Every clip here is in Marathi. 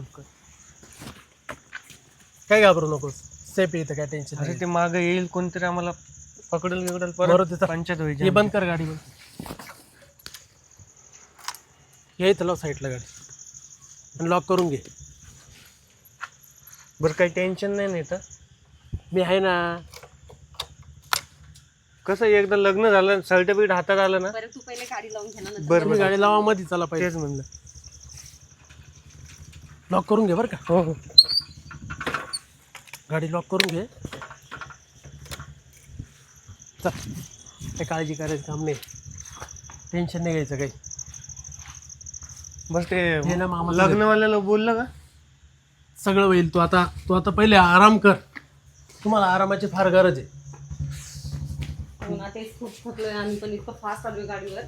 लवकर. काय घाबरू नकोस, सेफ इथं, काय टेन्शन अरे नाही. ते मागं येईल कोणतरी आम्हाला पकडल बिकडल बरोबर परत तिथं पंचायत हे व्हायची. बंद कर गाडी. ये इथं लाव साईडला गाडी आणि लॉक करून घे. बरं काही टेन्शन नाही ना इथं. मी आहे ना. कसं एकदा लग्न झालं सर्टिफिकेट हातात आलं ना. बरं तू पहिले गाडी लावून घे ना नंतर बरं तुम्ही गाडी लावा मध्ये, चला पाहिजे. तेच म्हणलं. लॉक करून घे बरं का. हो हो गाडी लॉक करून घे. चल, काही काळजी करायचं काम नाही, टेन्शन नाही घ्यायचं काही. बस ते हे ना मामाचं लग्नवाल्याला बोललं का. सगळं होईल. तू आता पहिले आराम कर. तुम्हाला आरामाची फार गरज आहे. हो ना, तेच खूप थकलोय आम्ही पण, इतकं फास्ट आलोय गाडीवर.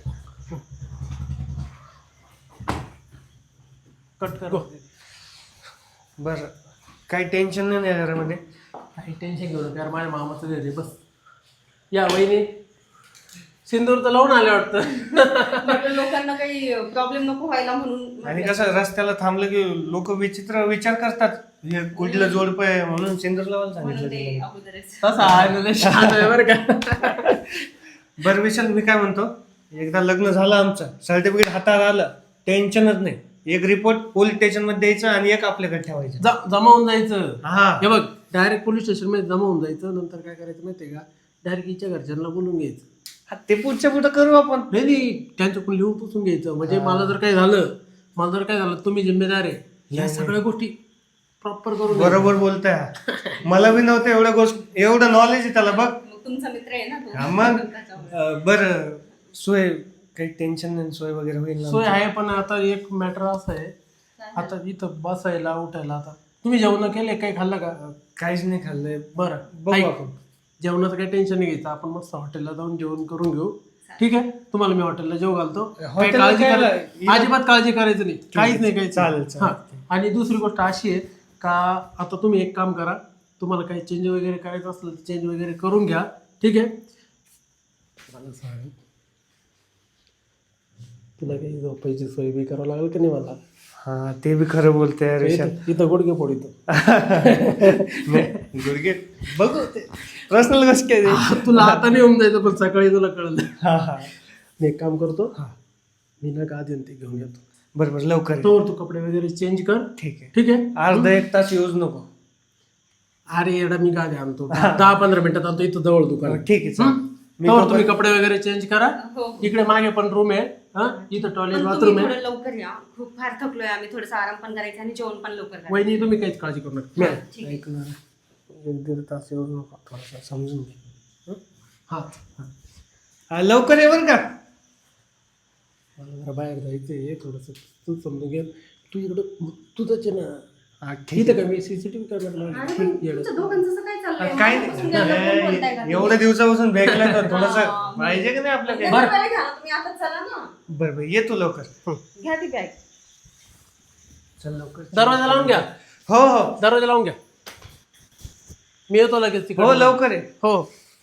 कट कर. बरं काही टेन्शन नाही ना घरामध्ये. काही टेन्शन घेऊ नका यार, माझ्या मामाचं घर आहे. बस या वहिनी, सिंदूर तर लावून आले वाटतं. म्हटलं लोकांना काही प्रॉब्लेम नको व्हायला म्हणून. आणि कसं रस्त्याला थांबलं की लोक विचित्र विचार करतात, हे कुठलं जोडप आहे म्हणून सिंदूर लावायला म्हणून सांगितलं ते तिला. अगोदरच तसा आहे ना, लय शांत आहे बरं का. बरं विशाल, मी काय म्हणतो, एकदा लग्न झालं आमचं, सर्टिफिकेट हातात आलं, टेन्शनच नाही. एक रिपोर्ट पोलीस स्टेशन मध्ये द्यायचं आणि एक आपल्याकडे ठेवायचं. जमा होऊन जायचं. हा हे बघ, डायरेक्ट पोलीस स्टेशन मध्ये जमा होऊन जायचं. नंतर काय करायचं माहितीये का, डायरेक्ट हिच्या घरच्यांना बोलून घ्यायचं. ते पुढच्या पुढं करू आपण. नाही, त्यांच्याकडून लिहून पुसून घ्यायचं. म्हणजे मला जर काय झालं तुम्ही जिम्मेदार आहे. या सगळ्या गोष्टी प्रॉपर करून बरोबर बोलताय. मला बी नव्हतं एवढ्या गोष्ट, एवढं नॉलेज आहे त्याला बघ. मग तुमचा मित्र आहे ना तो. हा मग त्याच्यामुळे. बरं सोय काही टेन्शन नाही, सोय वगैरे होईल ना. सोय आहे. पण आता एक मॅटर असं आहे, आता इथं बसायला उठायला, आता तुम्ही जेवण केले, काही खाल्लं का? काहीच नाही खाल्लंय. बरं, बघू ऐक, आपण. जेवणाचं काही टेन्शन नाही घ्यायचं. आपण मस्त हॉटेलला जाऊन जेवण करून घेऊ. ठीक आहे, तुम्हाला मी हॉटेलला जेव घालतो. काही हॉटेलला काळजी काय करायची, अजिबात काळजी करायचं नाही, काहीच नाही काही. चालेल, हा. आणि दुसरी गोष्ट अशी आहे का, आता तुम्ही एक काम करा, तुम्हाला काही चेंज वगैरे करायचं असलं तर चेंज वगैरे करून घ्या. ठीक आहे. मला सांग, तुला काही झोपायची सोय बी करावं लागेल की नाही मला? हा ते बी खरं बोलतोय विशाल. इथं गुडघे फोडितो. गुडघे बघू ते पर्सनल गोष्ट काय ते. तुला आता नाही होऊन जायचं, पण सकाळी तुला कळलं. हा हा मी एक काम करतो, मी ना का देऊन ते घेऊन येतो. बरोबर लवकर ये. तोवर तू कपडे वगैरे चेंज कर. ठीक आहे. ठीक आहे. अर्धा एक तास यूज नको. अरे येडा, मी गाडी आणतो 10-15 मिनिटात आणतो, इथं जवळ दुकान. ठीक आहे चालेल. तोवर तुम्ही कपडे वगैरे चेंज करा. हो. इकडे मागे पण रूम आहे. हा, इथं टॉयलेट पण बाथरूम तुम्ही आहे. थोडं लवकर या, खूप फार थकलोय आम्ही. थोडंसं आराम पण करायचं आणि जेवण पण लवकर करायचं. वहिनी तुम्ही काहीच काळजी करू नका. ठीक आहे. ऐक ना, 1-1.5 तास यूज नको, थोडासा समजून घे. हा, हा, लवकर ये बरं का. मला जरा बाहेर जायचंय थोडस, तू समजून घे. तू इकडं तुझंच आहे ना. हा, इथं का मी सीसीटीव्ही कॅमेरा अरे पण तुमच्या दोघांचं असं काय चाललंय? काय मगापासून त्यांना फोन बोलताय का? नाही, एवढ्या दिवसापासून भेटलं तर थोडस पाहिजे का नाही आपल्याकडे. बरं घ्या ना, तुम्ही आता चला ना. बरं बरं ये तू लवकर. घ्या ती बॅग. चल लवकर. दरवाजा लावून घ्या. हो हो दरवाजा लावून घ्या. मी येतो लगेच तिकडे. हो लवकर आहे. हो.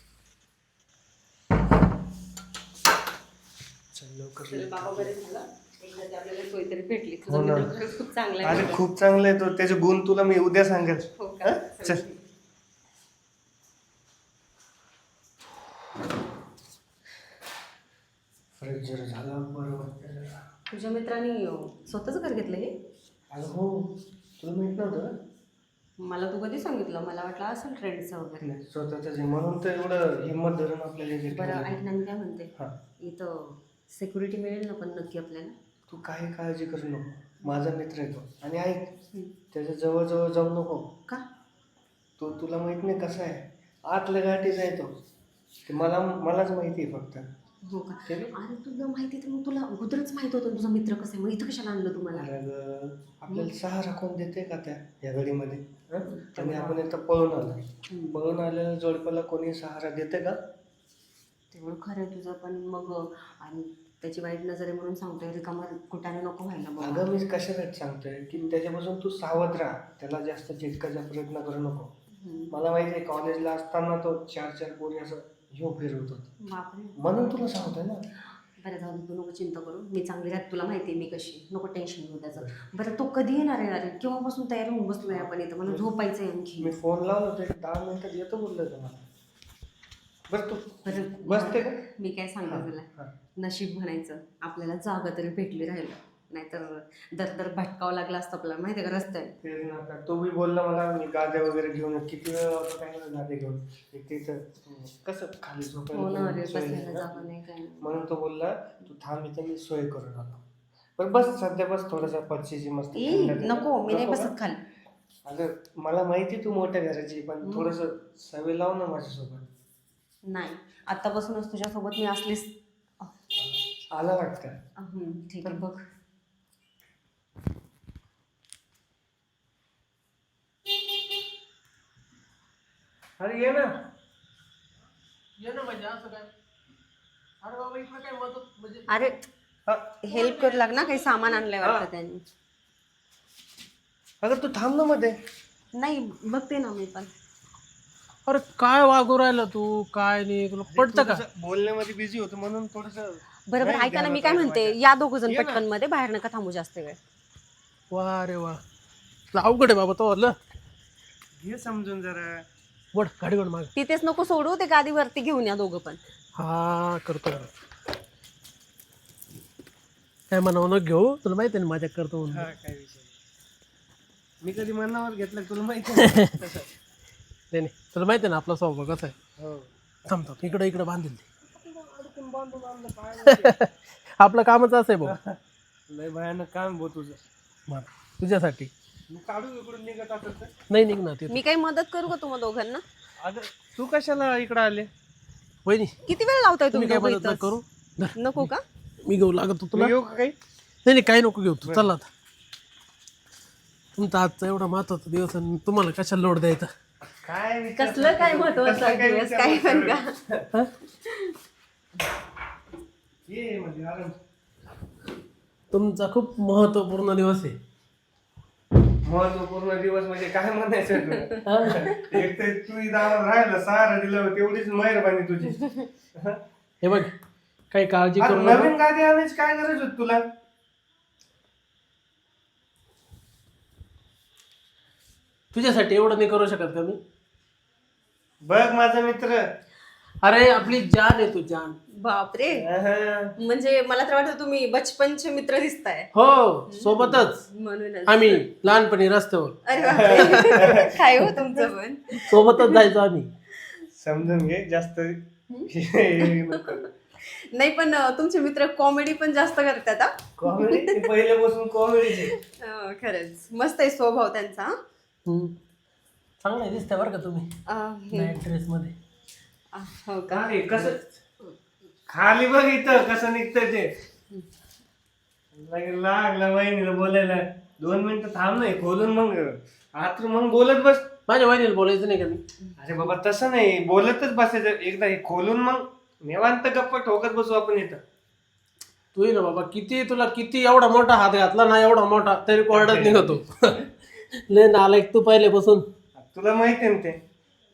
चल लवकर. चला बाबा, बरं झालं एकदा ती आपल्याला सोय तरी भेटली. हो तुझा ना. मित्र खरंच खूप चांगला आहे. अरे खूप चांगलं आहे तो, त्याचे गुण तुला मी उद्या सांगेल. हो का? हा? चल. फ्रेश जरा झाला बरोबर. तुझ्या मित्रांनी स्वतःच घर घेतलं हे? अगं हो, तुला माहित नव्हतं का? मला तू कधी सांगितलं? मला वाटलं असेल ट्रेंडचं वगैरे. नाही स्वतःच म्हणून तर एवढं हिंमत धरून आपल्याला हे बरं केलं. ऐक ना, मी काय म्हणते, हा, इथं सिक्युरिटी मिळेल ना पण नक्की आपल्याला? तू काही काळजी करू नको, माझा मित्र आहे तो. आणि ऐक, हं. त्याच्या जवळ जाऊ नको. का? तो तुला माहित नाही कसा आहे, आतल्या गाठीचा आहे तो. ते मलाच माहिती आहे फक्त. हो का? ते- अरे तुला माहिती तर मग तुला अगोदरच माहित होतं ना तुझा मित्र कसं आहे, मग इथं कशाला आणलं तुम्हाला? अरे गं, आपल्याला सहारा कोण देते का या घडीमध्ये? हं? आणि आपण इथं पळून आलो, पळून आलेल्या जोडप्याला कोणी सहारा देते का? तेवढं खरं आहे तुझं, पण मग आणि त्याची वाईट नजर आहे म्हणून सांगतोय, रिकामा कुठाने नको व्हायला मग. अगं मी कशासाठी सांगतोय की त्याच्यापासून तू सावध राहा, त्याला जास्त चिटकायचा प्रयत्न करू नको. मला माहिती आहे कॉलेजला असताना तो 4-4 पोरी असं घेऊन फिरवत होता, बापरे. म्हणून तुला सांगतोय ना. बरं जाऊ दे, तू नको चिंता करू, मी चांगली राहते, तुला माहिती आहे मी कशी, नको टेन्शन घेऊ त्याचं. बरं तो कधी येणार आहे? अरे केव्हापासून तयार होऊन बसलोय आपण इथं, मला झोपायचं आहे आणखी. मी फोन लावला होता 10 मिनिटात येतो बोललो तुम्हाला. बरं तू बरं बसते का? मी काय सांगतो तुला, नशीब म्हणायचं आपल्याला जागा तरी भेटली राहिलं, नाहीतर दर भटकावं लागलं असतं आपल्याला, माहिती आहे का रस्त्याने. तेच ना आता. तो बी बोलला मला मी गाद्या वगैरे घेऊन ये. किती वेळ होता काय ना गाद्या घेऊन तिथं कसं खाली हो ना, अरे झोपायला सोय बसायला नाही ना. जागा नाही काय नाही. म्हणून तो बोलला तू थांब इथं मी सोय करून आलो. पण बस सध्या बस थोडासा पक्षीची मस्त ई, थंड- नको मी नाही नको का? बसत खाली. अगं मला माहिती तू मोठ्या घराची, पण थोडस सवय लाव ना माझ्यासोबत. नाही, आतापासूनच तुझ्यासोबत मी असलीच. आला वाटतं. ठीक आहे बघ. अरे ये ना. ये ना म्हणजे असं काय? अरे बाबा इकडे काय मदत म्हणजे अरे हा. हेल्प करू लाग ना, काही सामान आणलंय वाटतं त्यांनी. अगं तू थांब ना मध्ये. नाही बघते ना मी पण. अरे काय वागू राहिला तू? काय नाही तुला पडतं का? थोडंसं बोलण्यामध्ये बिझी होतो म्हणून थोडस. बरोबर, ऐका ना मी काय म्हणते, या दोघ जण पटकन मध्ये, बाहेर नका थांबू जास्त वेळ. वा रे वा, तुला अवघड आहे बाबा तो वरलं. हे समजून जरा. वड गाडी वड माग. तिथेच नको सोडू, ते गादीवरती घेऊन या दोघं पण. हा करतो काय म्हणावं न घेऊ, तुला माहिती आहे ना माझ्या करतो म्हणून. हा काय विषय नाही. मी कधी मनावर घेतलं तुला माहिती आहे ना. तसं. नाही नाही, तुला माहिती आहे ना आपला स्वभाव कसा आहे. हो. थांबतो इकडं बांधील ते. आपलं कामच असं आहे भाऊ. लय भयानक काम भाऊ तुझं. मला तुझ्यासाठी मी काढू इकडून निघत असेल तर. नाही निघणार ते. मी काही मदत करू का तुम्हा दोघांना? अगं तू कशाला इकडे आले? वहिनी किती वेळ लावताय तुम्ही तुम्ही काय दोघं मदत नका इथंच? करू. धर, नको का? मी घेऊ लागत तुला. येऊ का काही? नाही नाही काही नको घेऊ तू, चला आता. तुमचा आजचा एवढा महत्वाचा दिवस आणि तुम्हाला कशाला लोड द्यायचा. काय विचार कसलं काय महत्वाचं कसलं काय दिवस, विचार काय पण करतोय? का? ये म्हणजे आराम. तुमचा खूप महत्वपूर्ण दिवस आहे. महत्वपूर्ण दिवस म्हणजे काय म्हणायचं तुला? एक तर तू इथं राहिलं सहारा दिलं तेवढीच मेहरबानी तुझी. हे बघ काही काळजी अरे करू नको. नवीन गादी आणायची काय गरज होती तुला? तुझ्यासाठी एवढं नाही करू शकत का मी? बघ माझा मित्र. अरे आपली जान आहे तू, जान. बापरे, अहं. म्हणजे मला तर वाटतं तुम्ही बचपनचे मित्र दिसताय. हो सोबतच म्हणूनच. आम्ही लहानपणी रस्त्यावर अरे बापरे, काय हो तुमचं पण. सोबतच जायचो आम्ही. समजून घे जास्त हे नको. नाही पण तुमचे मित्र कॉमेडी पण जास्त करतात हा. कॉमेडी पहिल्यापासून कॉमेडीचे. खरंच मस्त आहे स्वभाव त्यांचा. चांगलं दिसतंय बरं का तुम्ही नाईट ड्रेस मध्ये. हो का? अरे कसं खाली बघ इथं कसं निघतं ते. लागला वहिनीला बोलायला 2 मिनिटं थांब नाही खोलून मग आत मग बोलत बस. माझ्या वहिनीला बोलायचं नाही का मी? अरे बाबा तसं नाही, बोलतच बसायचं. एकदा हे खोलून मग निवांत गप्पा ठोकत बसू आपण इथं. तू ये ना बाबा, किती तुला किती एवढा मोठा हात घातला ना, एवढा मोठा तरी कोरडत निघतो. लय नालायक तू पहिल्यापासून. तुला माहिती आहे ना ते.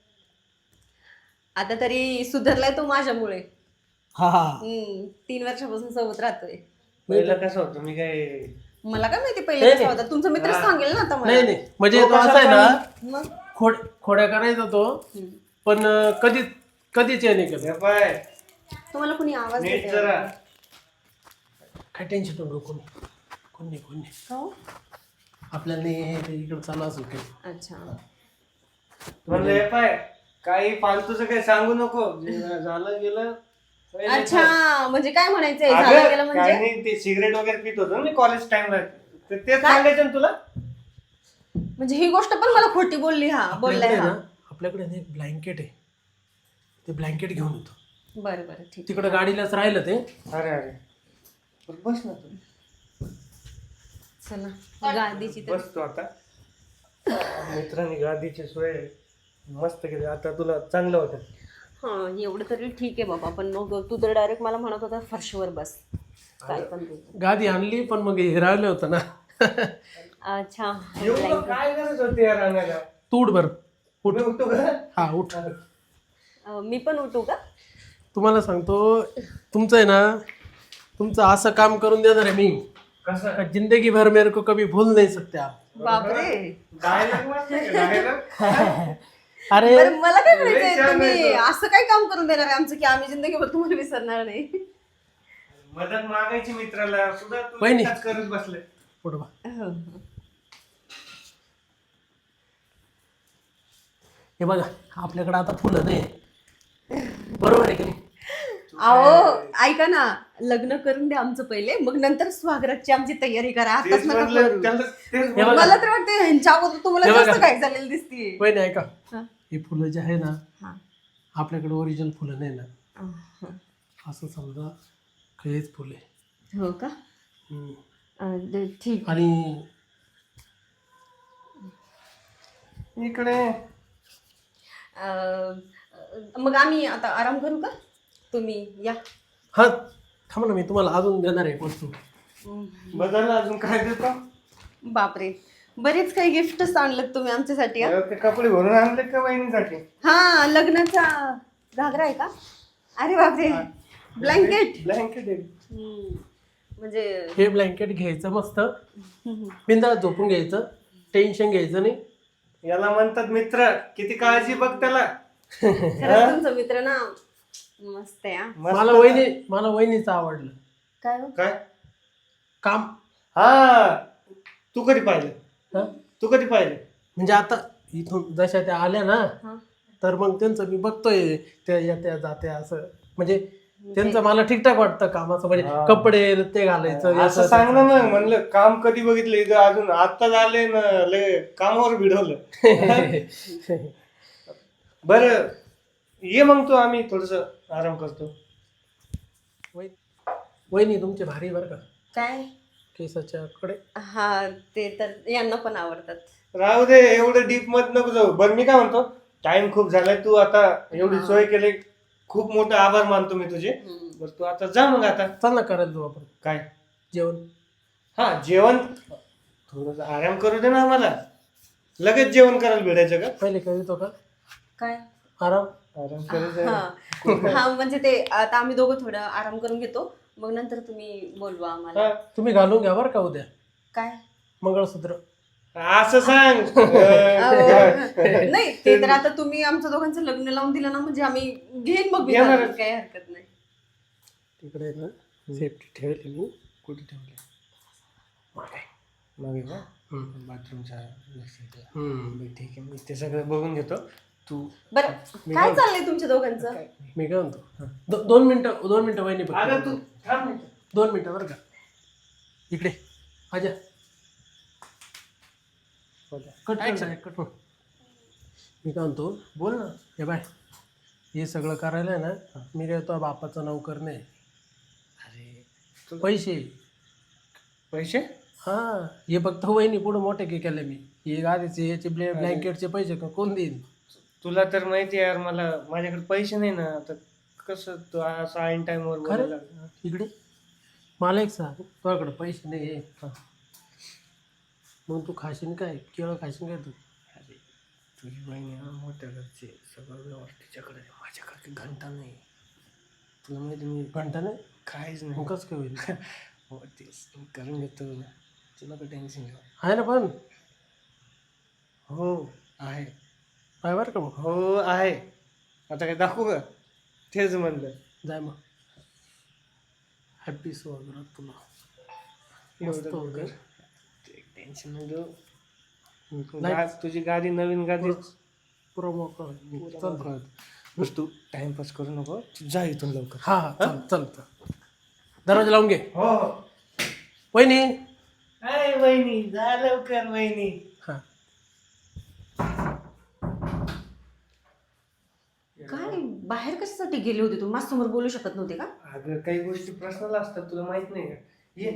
आता तरी सुधारलाय तो माझ्यामुळे. हा हा 3 वर्षापासून सोबत राहतोय. पहिलं कसं होतं मी काय मला काय माहिती पहिले कसा होता, तुमचा मित्र सांगेल ना आता मला. नाही नाही म्हणजे तो असा आहे ना, मग खोड्या करायचा तो, पण कधीच हे नाही केलं. हे पाय तुम्हाला कुणी आवाज नीट देतंय? जरा. काय टेन्शन नको. कोणी हो? आपल्याला नाही इकडं चालू असेल काही. अच्छा. म्हणलं हे पाय काही फालतूचं काही सांगू नको. जे झालं गेलं. अच्छा म्हणजे काय म्हणायचंय, झालं अगं, गेलं काय म्हणजे? नाही ते सिगरेट वगैरे पित होतो ना मी कॉलेज टाइमला. तर तेच सांगायचं ना तुला. म्हणजे ही गोष्ट पण मला खोटी बोलली हा, बोललाय हा. आपल्याकडे ना एक ब्लँकेट आहे, ते ब्लँकेट घेऊन येतो. बरं बरं ठीक. तिकडे गाडीलाच राहिलं ते. अरे अरे बस ना तू. चला गादीची तर. बस तू आता. मित्रांनी गादीची सोय मस्त केली. आता तुला चांगलं होतं. हा एवढं तरी ठीक आहे बाबा, पण मग तू तर डायरेक्ट मला म्हणत होता फरशीवर बस. काय पण तू. गादी आणली पण मग हे राहिलं होतं ना. अच्छा. एवढं काय गरज होती यार आणायला? तू उठ बरं. मी उठतो का? हा उठ. मी पण उठू का? तुम्हाला सांगतो तुमचं आहे ना, तुमचं असं काम करून देणार आहे मी कसं का जिंदगी भर मेरे को कभी भूल नहीं सकते आप. बापरे. डायलॉग वाटतंय का? dialogue? अरे बरं मला काय म्हणायचंय लय छान तुम्ही आहे तो. असं काय काम करून देणार आहे आमचं की आम्ही जिंदगीभर तुम्हाला विसरणार नाही. मदत मागायची मित्राला सुद्धा तू वहिनी. एकटाच करत बसले. पुढं बा. हो. हे बघा आपल्याकडे आता फुलं नाही बरोबर आहे की नाही. अहो ऐका ना लग्न करून द्या आमचं पहिले मग नंतर स्वागताची आमची तयारी करा आताच तेच नका म्हणलं, करू. त्याला तेच हे बघा. मला तर वाटतं ह्यांच्या अगोदर तुम्हाला हे बघा. जास्त काय झालेलं दिसतीये. वहिनी ऐका हा. ही फुलं जे आहे ना हा. आपल्याकडे ओरिजिनल फुलं नाही ना हा. असं समजा हेच फुले हो का ठीक. आणि इकडे मग आम्ही आता आराम करू का तुम्ही या. हा थांबा ना मी तुम्हाला अजून देणार आहे वस्तू. बदलला अजून काय देतो बापरे बरेच काही गिफ्टच आणलं तुम्ही आमच्यासाठी हा? ते कपडे भरून आणले का बहिणीसाठी हा लग्नाचा घागरा आहे का. अरे बापरे ब्लँकेट. ब्लँकेट आहे. म्हणजे हे ब्लँकेट घ्यायचं मस्त बिंदास झोपून घ्यायचं टेन्शन घ्यायचं नाही. याला म्हणतात मित्र. किती काळजी बघ त्याला. खरंच तुमचा मित्र ना मस्त आहे हा. मस्त. मला वहिनीचं आवडलं काय हो? काय काम. हा तू कधी पाहिलं हा? तू कधी पाहिलं म्हणजे आता इथून जशा त्या आल्या ना हा. तर मग त्यांचं मी बघतोय त्या येत्या जात्या असं म्हणजे त्यांचं मला ठीकठाक वाटतं कामाचं म्हणजे हा. कपडे ते घालायचं असं सांग ना मग म्हणलं काम कधी बघितलं इथं अजून आत्ताच आले ना लय कामावर भिडवलं. बरं ये मग तू आम्ही थोडस आराम करतो. वहिनी तुमचे भारी बरं का काय केसाच्या कडे. हा ते तर यांना पण आवडतात. राहू दे एवढं डीप मत नको जाऊ. बरं मी काय म्हणतो टाइम खूप झालाय तू आता एवढी सोय केली खूप मोठं आभार मानतो मी तुझे. बरं तू आता जा मग आता. चल ना करायला जाऊ आपण काय जेवण. हा जेवण थोडस आराम करू दे ना आम्हाला. लगेच जेवण करायला भेटायचं का. पहिले करीतो का काय आराम. आराम करू दे. हा हा म्हणजे ते आता आम्ही दोघं थोडं आराम करून घेतो मग नंतर तुम्ही बोलवा आम्हाला. हा, तुम्ही घालून घ्या बरं का उद्या काय मंगळसूत्र. असं सांग. नाही ते तर आता तुम्ही आमच्या दोघांचं लग्न लावून दिलं ना म्हणजे आम्ही घेईन मग येणारच. विचारायला काही हरकत नाही. तिकडे ना सेफ्टी ठेवली मी. कुठे ठेवले मागे. मागे का हम्म. बाथरूमच्या लक्षात. हम्म. बरं, ठीक आहे मी ते सगळं बघून घेतो. तू बरं काय चाललंय तुमच्या दोघांचं. मी काय म्हणतो 2 मिनिटं वहिनी अगं तू बघ. थांब नाही. 2 मिनिटं बरं का इकडे आजा. Cut cut. मी काय म्हणतो बोल ना. हे बाय हे सगळं करायला आहे ना मी काय तो बापाचा नौकर नाही. अरे पैसे पैसे हा हे फक्त वहिनी पुढे मोठे की केले मी हे गाडीचे याचे ब्लँकेटचे पैसे कोण देईन. तुला तर माहिती आहे यार मला माझ्याकडे पैसे नाही ना तर कसं तू असं ऐन टाइमवर खरं बोलायला. इकडे मला एक सांग तुझ्याकडे पैसे नाही आहे. हा. मग तू खाशीन काय केळं खाशीन काय तू. अरे तुझी बहिणी हा मोठ्या घरचे सगळं व्यवहार तिच्याकडे आहे. माझ्याकडे घंटा नाही. तुला माहिती मी घंटा नाही काहीच मग नाही. कसं काय होईल. हो तेच मी करून घेतो. तुला काही टेन्शन घ्या. आहे ना पण हो आहे. काय बरं का मग हो आहे. आता काय दाखवू का तेच म्हणलं. जाय मग हॅपी स्वागत तुला. मस्त एवढं होतं. टेन्शन नाही घेऊ. नाही. तुझी गाडी नवीन गाडी प्रोमो कर चल. बस तू टाइमपास करू नको. जा इथून लवकर. हा हा चल चल चल. दरवाजा लावून घे. हो वहिनी. अरे वहिनी जा लवकर वहिनी. हा काय बाहेर कशासाठी गेले होते तुम्ही माझ्यासमोर बोलू शकत नव्हते का. अगं काही गोष्टी पर्सनल असतात तुला माहित नाही का. ये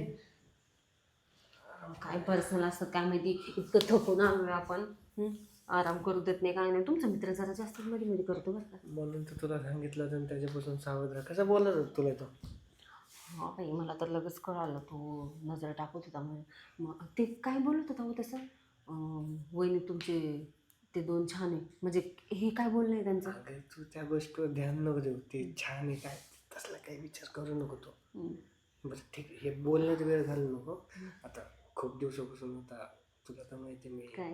काय पर्सनल असतात काय माहिती इतकं थकून आलोय आपण. आराम करू देत नाही काय नाही. तुमचा मित्र जरा जास्त मध्ये मध्ये करतो बरं का. म्हणून तर तुला सांगितलं तर त्याच्यापासून सावध राहा. कसं बोलत होता तुला तो. हा बाई मला तर लगेच कळालं तू नजर टाकत होता म्हणून. मग ते काय बोलत होता हो तसं वहिनी तुमचे ते 2 छान आहे म्हणजे हे काय बोलणं आहे त्यांचं. अगं तू त्या गोष्टीवर ध्यान नको देऊ. ते छान आहे काय तसला काही विचार करू नको तो. बरं ठीक आहे, हे बोलण्यात वेळ घालू नको. आता खूप दिवसापासून आता तुला तर माहिती मी काय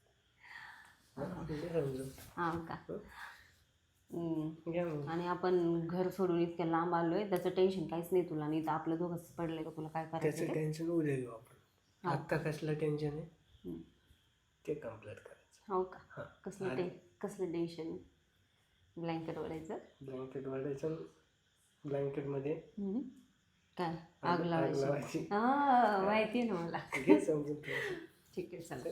घे समजून. हा का घ्या मग. आणि आपण घर सोडून इतक्या लांब आलोय त्याचं टेन्शन काहीच नाही तुला, नाही तर आपलं दोघंच पडलंय का तुला काय करायचं त्याचं ते? टेन्शन उद्या घेऊ आपण. आत्ता कसलं टेन्शन आहे हम्म. ते कम्प्लीट करायचं. हो का? हां. कसलं टेन्शन? ब्लँकेट ओढायचं? ब्लँकेट वाढायचं, ब्लँकेटमध्ये काय आग लावायची? लावायची. हा माहिती आहे ना मला. घे समजून थोडंसं. ठीक आहे चला.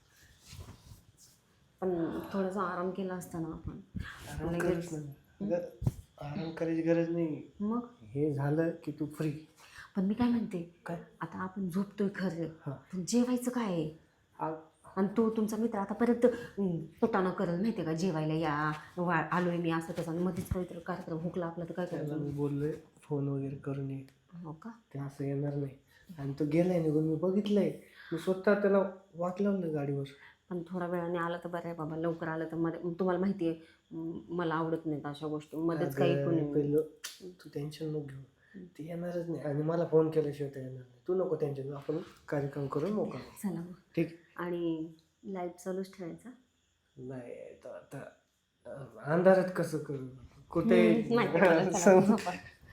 पण थोडासा आराम केला असता ना आपण. आराम लगेच. करत नाही. आराम करायची गरज नाही. मग हे झालं की तू फ्री. पण मी काय म्हणते, काय? आता आपण झोपतोय खरं, हां. पण जेवायचं काय आहे? आ- आणि तो तुमचा मित्र आता परत पोटानं करेल माहिती आहे का, जेवायला या आलोय मी असं तसं, आणि मध्येच काहीतरी कार्यक्रम हुकला आपला तर काय त्याला करायचं? मी बोललोय फोन वगैरे करून ये. हो का? ते असं येणार नाही. आणि तो गेलाय निघून, मी बघितलंय. मी स्वतः त्याला वाट लावलं गाडीवर. पण थोड्या वेळाने आलं तर बरं आहे बाबा, लवकर आलं तर मध्ये तुम्हाला माहिती आहे मला आवडत नाहीत अशा गोष्टी मध्येच काही अगं, कोणी. पहिलं तू टेन्शन नको घेऊ. ते येणारच नाही आणि मला फोन केल्याशिवाय ते येणार नाही. तू नको टेन्शन घेऊ, आपण कार्यक्रम करून मोकळा होऊ. चला मग. ठीक. आणि लाईट चालूच ठेवायचा? नाही तर आता अंधारात कसं करू कुठे माहिती आहे मला, चला, झोपा.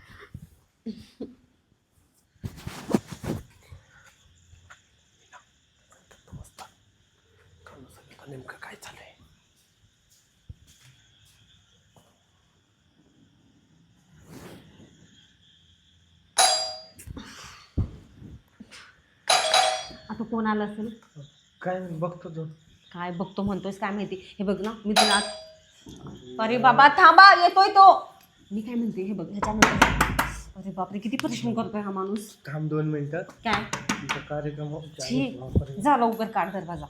नेमकं काय चाललंय? आता कोण आलं असेल? काय बघतो तू? काय बघतो म्हणतोयस काय माहिती. हे बघ ना मी तुला, अरे बाबा थांबा येतोय तो. मी काय म्हणते हे बघ ह्याच्यानंतर, अरे बापरे किती परिश्रम करतोय हा माणूस. थांब 2 मिनिटात. काय तुमचा कार्यक्रम छी, जा लवकर काढ दरवाजा.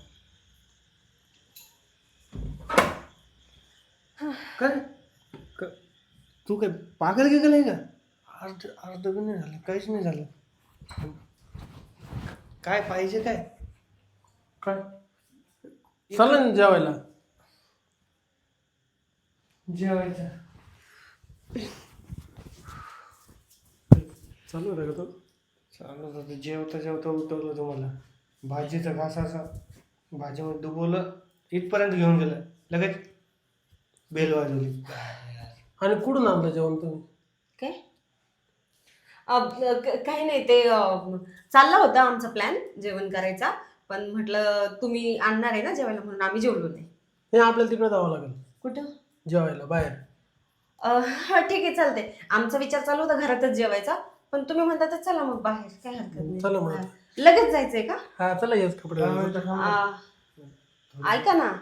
काय तू काय पागल गेलाय का? अर्ध पण नाही झालं, काहीच नाही झालं. काय पाहिजे काय? काय चला ना जेवायला. जेवायचं चालू होता का तो? चालू होतं. जेवता जेवता उठवलं तुम्हाला. भाजीचा घास असा भाजीमध्ये डुबवलं, इथपर्यंत घेऊन गेलं, लगेच बेल वाजवली. आणि कुठून आणलं जेवण तुम्ही? काय काही नाही ते चालला होता आमचा प्लॅन जेवण करायचा, पण म्हटलं तुम्ही आणणार आहे ना जेवायला म्हणून आम्ही जेवलो नाही. हे आपल्याला तिकडे जावं लागेल कुठं? जेवायला बाहेर. हा ठीक आहे चालते. आमचा विचार चालू होता घरातच जेवायचा, पण तुम्ही म्हणता तर चला मग बाहेर, काय हरकत चला मग. नाही. लगेच जायचंय का? हा चला येस कपडे ऐका ना,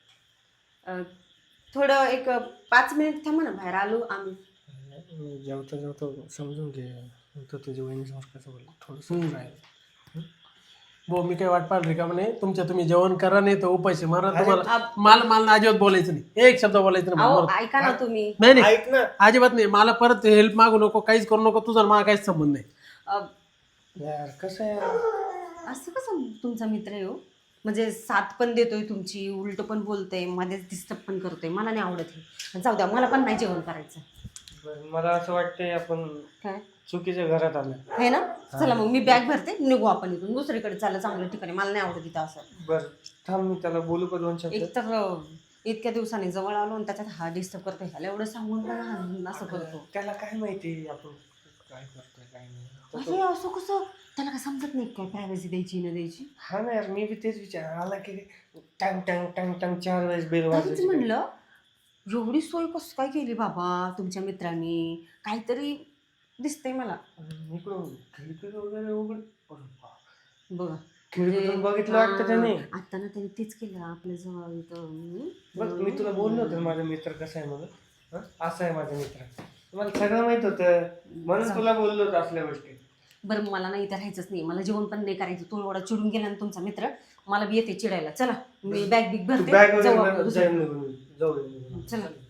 थोडं एक 5 मिनिट थांबा ना, बाहेर आलो आम्ही. जेवता जेवता समजून घे. तर तुझ्या वहिनीसमोर कसं बोललं थोडंसं राहील. हो मी काय वाट पाहिली रिकाम नाही. तुम्ही जेवण करा, नाही तर उपाशी मारा. तुम्हाला मला अजिबात बोलायचं नाही, एक शब्द बोलायचं नाही. अहो ऐका ना तुम्ही. नाही नाही ऐक ना. अजिबात नाही. मला परत हेल्प मागू नको, काहीच करू नको. तुझा मला काहीच संबंध नाही. यार कसं आहे, असं कसं तुमचा मित्र आहे हो? म्हणजे साथ पण देतोय तुमची, उलट पण बोलतोय, मध्येच डिस्टर्ब पण करतोय. मला नाही आवडत हे. जाऊ द्या, मला पण नाही जेवण करायचं. मला असं वाटतंय आपण काय चुकीच्या घरात आलं. आहे ना? चला मग मी बॅग भरते, निघू आपण इथून दुसरीकडे. चाललं चांगल्या ठिकाणी, मला नाही आवडत इथं असं. बरं थांब, मी त्याला बोलू का 2 शब्द? एक तर इतक्या दिवसांनी जवळ आलो आणि त्याच्यात हा डिस्टर्ब करतोय. ह्याला एवढं सांगून पण हा असं करतो. त्याला काय माहिती आपण काय करतोय काय नाही. अरे असं कसं? त्याला काय समजत नाही काय प्रायव्हसी द्यायची न द्यायची? हा ना यार, मी बी तेच विचार आला की टँग टँग टँग टँग 4 वेळेस बेल तरीच वाजवायची. म्हणलं एवढी सोय कसं काय केली बाबा तुमच्या मित्रांनी? काहीतरी दिसतंय मला. इकडून खिडकी वगैरे उघड. बघा खिडकीतून बघितलं वाटतं त्याने. आता ना त्याने तेच केलं आपल्या जवळ इथं. बघ मी तुला बोललो होतं माझा मित्र कसा आहे म्हणून. हं? असा आहे माझा मित्र. मला सगळं माहित होतं म्हणून तुला बोललो होतं असल्या गोष्टी. बरं मला नाही इथं राहायचंच नाही, मला जेवण पण नाही करायचं. तो एवढा चिडून गेला ना तुमचा मित्र, मला बी येते चिडायला. चला मी बॅग बिग भरते, बॅग जाऊ आपण वगैरे दुसरीकडे. जाऊ. चला